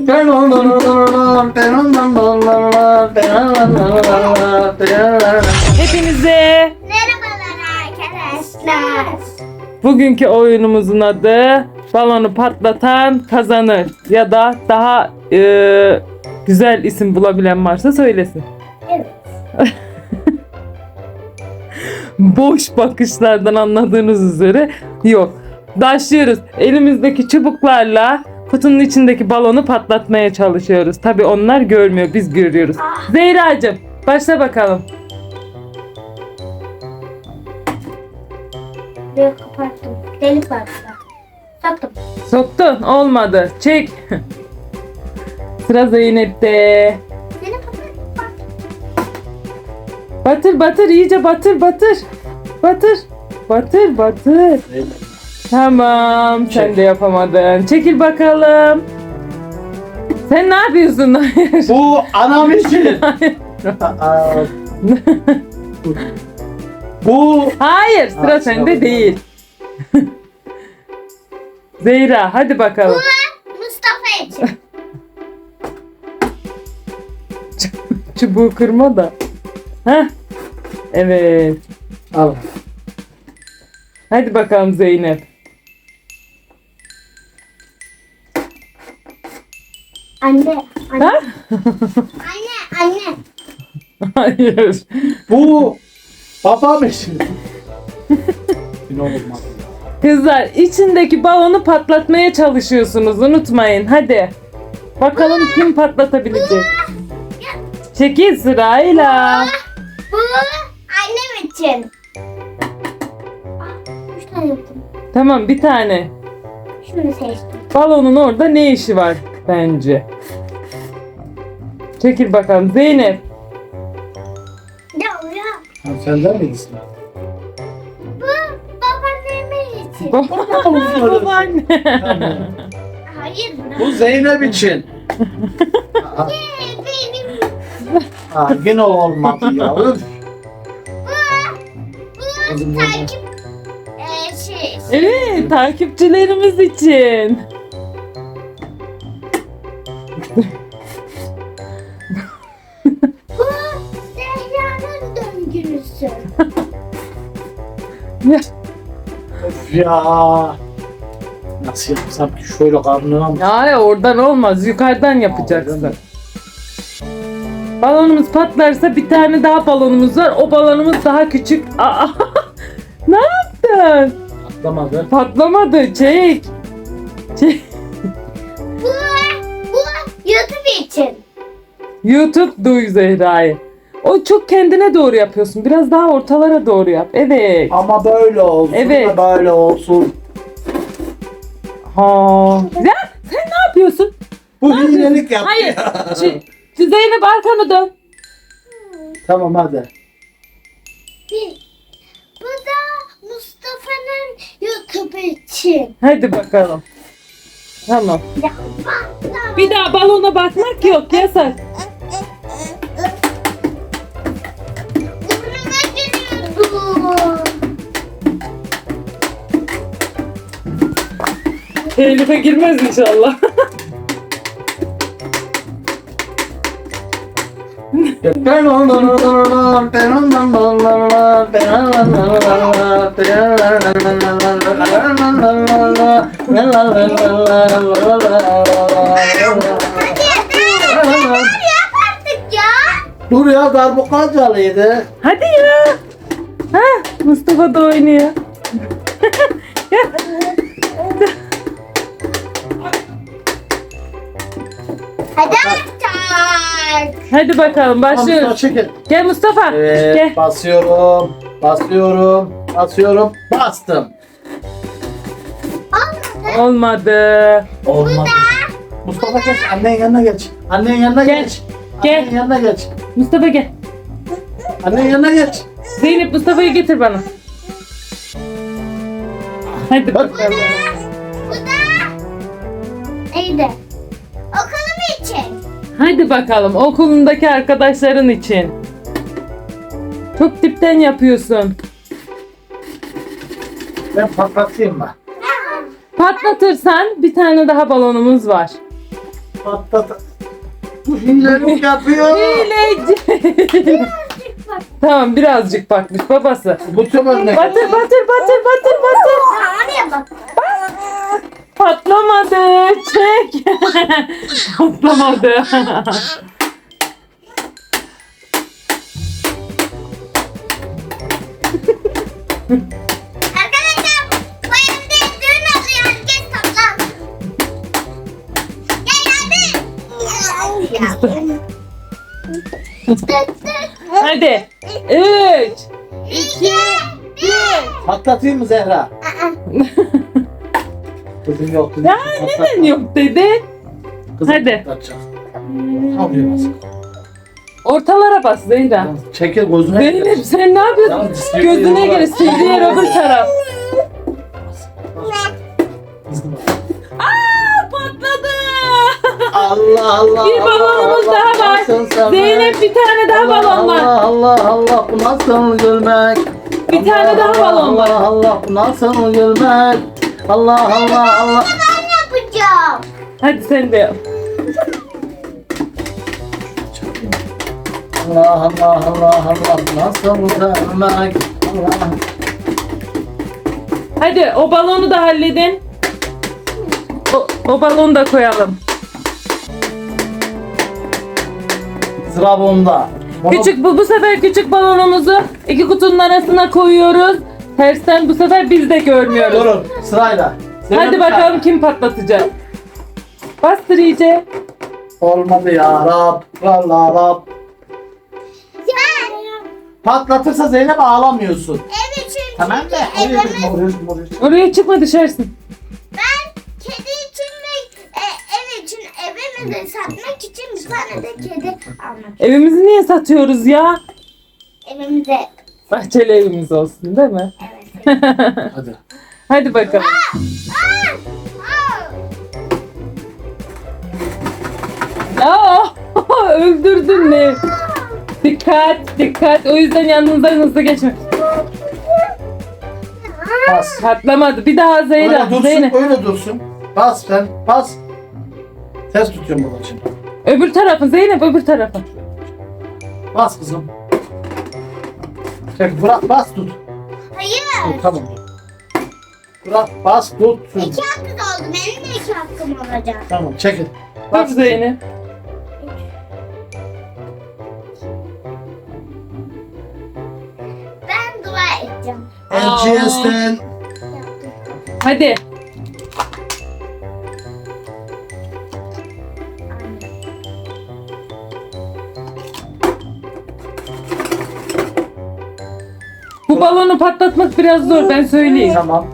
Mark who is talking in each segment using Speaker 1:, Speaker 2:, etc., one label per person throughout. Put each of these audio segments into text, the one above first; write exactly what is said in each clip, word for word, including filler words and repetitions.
Speaker 1: Hepinize
Speaker 2: Merhabalar arkadaşlar.
Speaker 1: bugünkü oyunumuzun adı balonu patlatan kazanır ya da daha e, güzel isim bulabilen varsa söylesin.
Speaker 2: Evet.
Speaker 1: Boş bakışlardan anladığınız üzere yok. Başlıyoruz. Elimizdeki çubuklarla kutunun içindeki balonu patlatmaya çalışıyoruz. Tabii onlar görmüyor, biz görüyoruz. Zehracığım, başla bakalım.
Speaker 2: Böyle kapattım. Delik var burada. Soktum.
Speaker 1: Soktun, olmadı. Çek. Sıra Zeynep'te.
Speaker 2: Seni kapat.
Speaker 1: Batır batır, iyice batır batır. Batır. Batır batır. Tamam, sen
Speaker 3: Çek.
Speaker 1: de yapamadın. Çekil bakalım. Sen ne yapıyorsun? Hayır.
Speaker 3: Bu anam için. Bu
Speaker 1: Hayır, sıra
Speaker 3: Aa,
Speaker 1: sende
Speaker 3: sıra
Speaker 1: değil. Zehra, hadi bakalım.
Speaker 2: Mustafa için.
Speaker 1: Çubuğu kırma da. Heh. Evet.
Speaker 3: al.
Speaker 1: Hadi bakalım Zeynep.
Speaker 2: Anne. Anne.
Speaker 1: Ha?
Speaker 2: Anne. Anne.
Speaker 1: Hayır.
Speaker 3: Bu babam için. Ne olmaz.
Speaker 1: Kızlar, içindeki balonu patlatmaya çalışıyorsunuz. Unutmayın. Hadi. Bakalım kim patlatabilecek. Çekil sırayla.
Speaker 2: Bu annem için. Ah, üç tane yaptım.
Speaker 1: Tamam, bir tane.
Speaker 2: Şunu seçtim.
Speaker 1: Balonun orada ne işi var bence? Çekil bakalım Zeynep.
Speaker 2: Ya ya.
Speaker 3: Ha, senden miydi sıra?
Speaker 2: Bu babaannemin için.
Speaker 1: Babaanne.
Speaker 3: Tamam.
Speaker 2: Hayır.
Speaker 3: Bu Zeynep için. Aa,
Speaker 2: Benim.
Speaker 3: aa, yine olmadı ya. Üf.
Speaker 2: Bu
Speaker 3: Kızım, bu
Speaker 2: takip e, şey.
Speaker 1: Evet, takipçilerimiz için.
Speaker 2: Bu Zehra'nın döngüsü.
Speaker 3: Of ya. Nasıl yapsam ki şöyle karnına mı?
Speaker 1: Ya oradan olmaz, yukarıdan yapacaksın. Balonumuz patlarsa bir tane daha balonumuz var. O balonumuz daha küçük. Aa, ne yaptın?
Speaker 3: Atlamadı.
Speaker 1: Patlamadı. Çek. Çek.
Speaker 2: Bu bu YouTube için.
Speaker 1: YouTube duy Zehra'yı. O çok kendine doğru yapıyorsun. Biraz daha ortalara doğru yap. Evet.
Speaker 3: Ama böyle olsun
Speaker 1: Evet.
Speaker 3: da böyle olsun.
Speaker 1: Ha. Ya sen ne yapıyorsun?
Speaker 3: Bu hilelik yaptı
Speaker 1: Hayır.
Speaker 3: ya.
Speaker 1: Şu, şu Zeynep arkanı dön.
Speaker 3: Tamam hadi.
Speaker 2: Bir. Bu da Mustafa'nın YouTube için.
Speaker 1: Hadi bakalım. Tamam.
Speaker 2: Ya,
Speaker 1: Bir daha balona bakmak yok. Yasak.
Speaker 2: burnuma giriyordu.
Speaker 1: Elif'e girmez inşallah.
Speaker 2: Yap artık ya.
Speaker 3: Dur ya darbuka calıydı.
Speaker 1: Hadi ya. Ha, Mustafa da oynuyor.
Speaker 2: Hadi artık.
Speaker 1: Hadi bakalım
Speaker 3: Mustafa
Speaker 1: başlıyoruz.
Speaker 3: çekil.
Speaker 1: Gel Mustafa.
Speaker 3: Evet
Speaker 1: Gel.
Speaker 3: basıyorum. Basıyorum. Basıyorum. Bastım.
Speaker 2: Olmadı.
Speaker 1: Olmadı.
Speaker 3: Olmadı. Mustafa geç. Annenin yanına geç. Annenin yanına
Speaker 1: Gel.
Speaker 3: geç.
Speaker 1: Gel.
Speaker 3: Annenin yanına geç.
Speaker 1: Mustafa gel.
Speaker 3: Annenin yanına geç.
Speaker 1: Zeynep Mustafa'yı getir bana. Hadi
Speaker 3: Bak.
Speaker 1: bakalım.
Speaker 2: Bu da neydi? Okulum için.
Speaker 1: Hadi bakalım okulundaki arkadaşların için. Çok dipten yapıyorsun.
Speaker 3: Ben patlatayım mı?
Speaker 1: Patlatırsan bir tane daha balonumuz var.
Speaker 3: Patlat. Bu hilelik yapıyor.
Speaker 1: Hileci.
Speaker 2: Bak.
Speaker 1: Tamam birazcık bakmış babası.
Speaker 3: Bu sefer ne?
Speaker 1: Batır batır batır batır batır.
Speaker 2: Oraya bak.
Speaker 1: Patlamadı. Çek. Patlamadı.
Speaker 2: Arkadaşlar bu evde düğün oluyor. Herkes toplan. Gel hadi.
Speaker 1: Hadi. Üç.
Speaker 2: İki. Bir.
Speaker 3: Patlatayım mı Zehra?
Speaker 2: Aa.
Speaker 3: Kızım yok. Kızım
Speaker 1: Ya
Speaker 3: yok.
Speaker 1: neden yok dedi.
Speaker 3: Kızım
Speaker 1: Hadi.
Speaker 3: patlatacak. Alıyor bas.
Speaker 1: Ortalara bas Zehra.
Speaker 3: Çekil gözüne.
Speaker 1: Zeynep sen ne yapıyorsun?
Speaker 3: Yalnız istiyor-
Speaker 1: Gözüne göre sildiği yer öbür taraf.
Speaker 3: Kızım bak.
Speaker 1: Aa patladı.
Speaker 3: Allah Allah.
Speaker 1: Bir balonumuz
Speaker 3: Allah,
Speaker 1: daha var.
Speaker 3: nasıl sevmek?
Speaker 1: Zeynep bir tane daha
Speaker 3: Allah,
Speaker 1: balon var.
Speaker 3: Allah Allah Allah bu nasıl gülmek?
Speaker 1: Bir tane daha balon var.
Speaker 3: Allah Allah bu nasıl gülmek? Allah Allah Allah.
Speaker 2: Ben yapacağım.
Speaker 1: Hadi sen de yap.
Speaker 3: Allah Allah Allah Allah bu nasıl sevmek? Allah.
Speaker 1: Hadi o balonu da halledin. O, o balonu da koyalım.
Speaker 3: Sıra bunda. Bunu-
Speaker 1: Küçük bu, bu sefer küçük balonumuzu iki kutunun arasına koyuyoruz. Tersten bu sefer biz de görmüyoruz.
Speaker 3: Durun sırayla.
Speaker 1: Hadi
Speaker 3: Zeynep
Speaker 1: bakalım
Speaker 3: Hanım.
Speaker 1: kim patlatacak. Bastır iyice.
Speaker 3: Olmadı ya Rab. Allah Rab.
Speaker 2: Ben
Speaker 3: Patlatırsa Zeynep ağlamıyorsun.
Speaker 2: ev için
Speaker 3: Tamam
Speaker 2: çünkü
Speaker 3: da oraya
Speaker 2: evimiz,
Speaker 3: gitme, oraya gitme, oraya gitme.
Speaker 1: Oraya çıkma düşersin.
Speaker 2: ben kedi için ve e, ev için evimizi satmak için bir tane de kedi almak.
Speaker 1: Evimizi niye satıyoruz ya?
Speaker 2: Evimize.
Speaker 1: Bahçeli evimiz olsun değil mi?
Speaker 2: Evet.
Speaker 3: Hadi.
Speaker 1: Hadi bakalım. Aa, öldürdün ne? Dikkat, dikkat. O yüzden yanınızdan hızlı geçme.
Speaker 3: Bas.
Speaker 1: Patlamadı. Bir daha
Speaker 3: Öyle
Speaker 1: Zeyra.
Speaker 3: dursun,
Speaker 1: Zeynep.
Speaker 3: öyle dursun. Bas sen, bas. Ters tutuyorum bunun için.
Speaker 1: Öbür tarafı Zeynep, öbür tarafı.
Speaker 3: Bas kızım. Çek, bırak, bas tut.
Speaker 2: Hayır.
Speaker 3: Dur, tamam. Bırak, bas tut.
Speaker 2: İki hakkı da oldu. Benim de iki hakkım olacak.
Speaker 3: Tamam, çekil.
Speaker 1: Dur
Speaker 3: Bas.
Speaker 1: Zeynep.
Speaker 2: Ben dua edeceğim.
Speaker 3: Elçiyesten.
Speaker 1: Hadi. Bu balonu patlatmak biraz zor ben söyleyeyim.
Speaker 3: Tamam.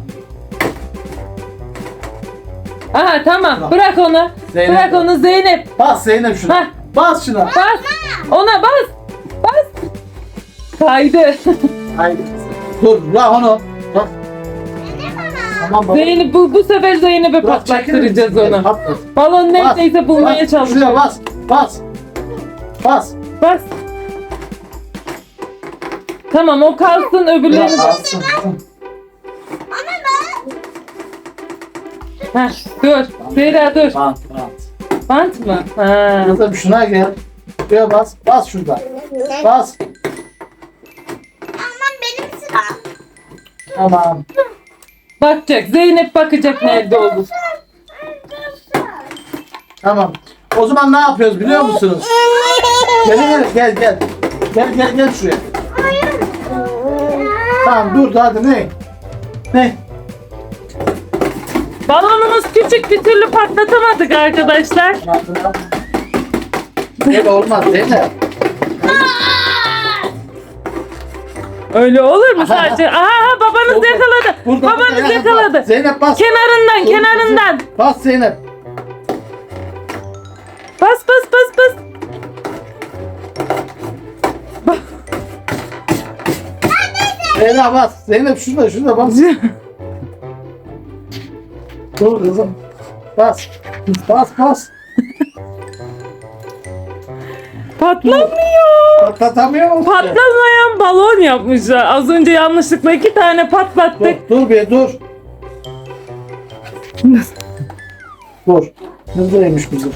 Speaker 1: Aha tamam bırak onu.
Speaker 3: Zeynep.
Speaker 1: Bırak onu Zeynep.
Speaker 3: Bas Zeynep şuna.
Speaker 1: Hah.
Speaker 3: Bas şuna.
Speaker 1: Bas. Ona bas. Bas. Kaydı.
Speaker 3: Haydi. Dur, bırak onu. Bırak. Tamam baba.
Speaker 1: Zeynep bu, bu sefer Zeynep'e
Speaker 3: Bırak, çekilir
Speaker 1: patlattıracağız
Speaker 3: misin?
Speaker 1: onu.
Speaker 3: Patlat.
Speaker 1: Balon
Speaker 3: Bas,
Speaker 1: neredeyse bulmaya
Speaker 3: bas, Şuraya
Speaker 1: çalışıyoruz.
Speaker 3: bas. Bas. Bas.
Speaker 1: Bas. Tamam o kalsın öbürlerini
Speaker 3: Bırak,
Speaker 1: bas.
Speaker 3: alsın.
Speaker 2: Ama ben
Speaker 1: Heh, dur. Zehra dur.
Speaker 3: Bant, bant.
Speaker 1: Bant mı? Ha.
Speaker 3: Kızım şuna gel. Şuraya bas. Bas şurada. Bas.
Speaker 2: Aman benim sıram.
Speaker 3: Tamam.
Speaker 1: Bakacak. Zeynep bakacak nerede oldu.
Speaker 3: Tamam. O zaman ne yapıyoruz biliyor musunuz? Gel gel gel gel. Gel gel gel şuraya. Tamam dur hadi ne? Ne?
Speaker 1: Balonumuz küçük bir türlü patlatamadık arkadaşlar.
Speaker 3: Böyle olmaz değil mi?
Speaker 1: Öyle olur mu sadece? Aha babanız
Speaker 3: Oldu.
Speaker 1: yakaladı.
Speaker 3: Burada,
Speaker 1: Babanız
Speaker 3: burada,
Speaker 1: yakaladı.
Speaker 3: bas. Zeynep bas.
Speaker 1: Kenarından
Speaker 3: Dur,
Speaker 1: kenarından.
Speaker 3: kızım. Bas Zeynep.
Speaker 1: Bas bas bas bas.
Speaker 3: Zeynep bas. Zeynep şurada şurada bas. Dur kızım. Bas. Bas bas.
Speaker 1: Patlamıyor.
Speaker 3: Patlatamıyor musun?
Speaker 1: Patlamayan balon yapmışlar. Az önce yanlışlıkla iki tane patlattık.
Speaker 3: Dur, dur bir dur. Dur. Hızlıymış bizim.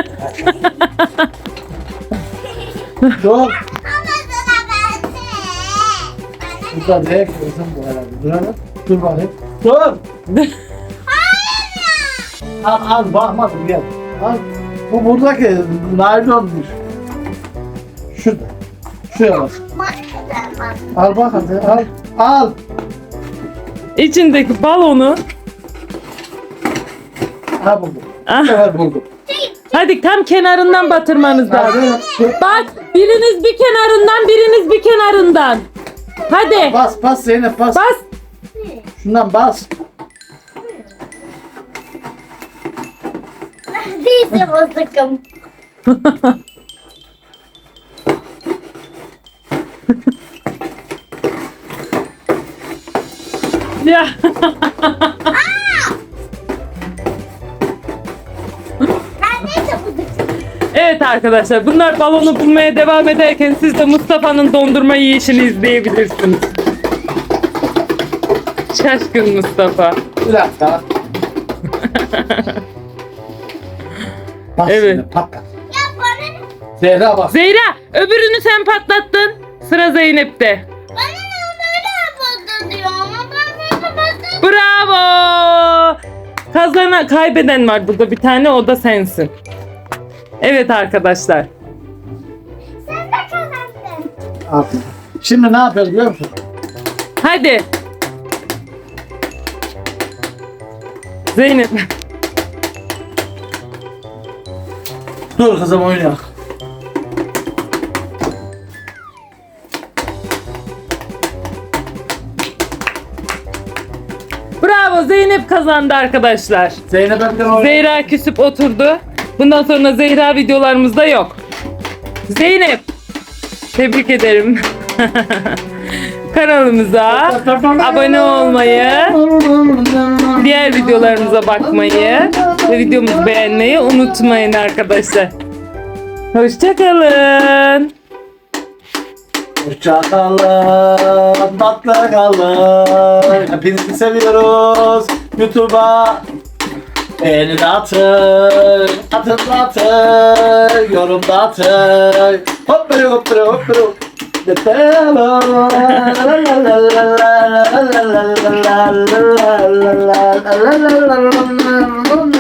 Speaker 3: Dur.
Speaker 2: Ama sıra bende. Bana
Speaker 3: Burada değil kızım bu herhalde. Dur hele. Dur bakayım. Dur. Al al bakmadım gel. Al. Bu buradaki naylonmuş. Şurada. Şuraya bak.
Speaker 2: mahvedemem.
Speaker 3: Al bak hadi al. Al.
Speaker 1: İçindeki balonu
Speaker 3: Ha buldum.
Speaker 1: Ah.
Speaker 3: Bu sefer buldum.
Speaker 1: hadi tam kenarından batırmanız lazım.
Speaker 3: Hadi.
Speaker 1: Bak biriniz bir kenarından biriniz bir kenarından. Hadi
Speaker 3: Bas bas Zeynep bas.
Speaker 1: bas.
Speaker 3: Şundan bas.
Speaker 2: Değilse bozukum.
Speaker 1: Ya.
Speaker 2: Neredeyse bozukum.
Speaker 1: Evet arkadaşlar bunlar balonu bulmaya devam ederken siz de Mustafa'nın dondurma yiyişini izleyebilirsiniz. Şaşkın Mustafa.
Speaker 3: Bir dakika. Bas
Speaker 1: Evet.
Speaker 3: şimdi, patlat.
Speaker 2: Ya bana ne?
Speaker 3: Zehra bak.
Speaker 1: Zehra öbürünü sen patlattın. Sıra Zeynep'te.
Speaker 2: Bana ne böyle patlatıyor ama ben böyle patlatıyorum.
Speaker 1: Bravo. Kazanan kaybeden var burada bir tane o da sensin. Evet arkadaşlar.
Speaker 2: Sen de kazandın.
Speaker 3: Aferin. Şimdi ne yapıyoruz biliyor musun?
Speaker 1: Hadi. Zeynep.
Speaker 3: Dur kızım oynayak.
Speaker 1: Bravo Zeynep kazandı arkadaşlar.
Speaker 3: Zeynep Erken oynuyor.
Speaker 1: Zehra küsüp oturdu. Bundan sonra Zehra videolarımızda yok. Zeynep. Tebrik ederim. Kanalımıza abone olmayı, diğer videolarımıza bakmayı ve videomuzu beğenmeyi unutmayın arkadaşlar. Hoşçakalın.
Speaker 3: Hoşçakalın, tatlı kalın. Hepinizi seviyoruz. YouTube'a beğeni de atın, atın da atın, yorum da atın. Hop böyle hop böyle hop böyle. Yeter.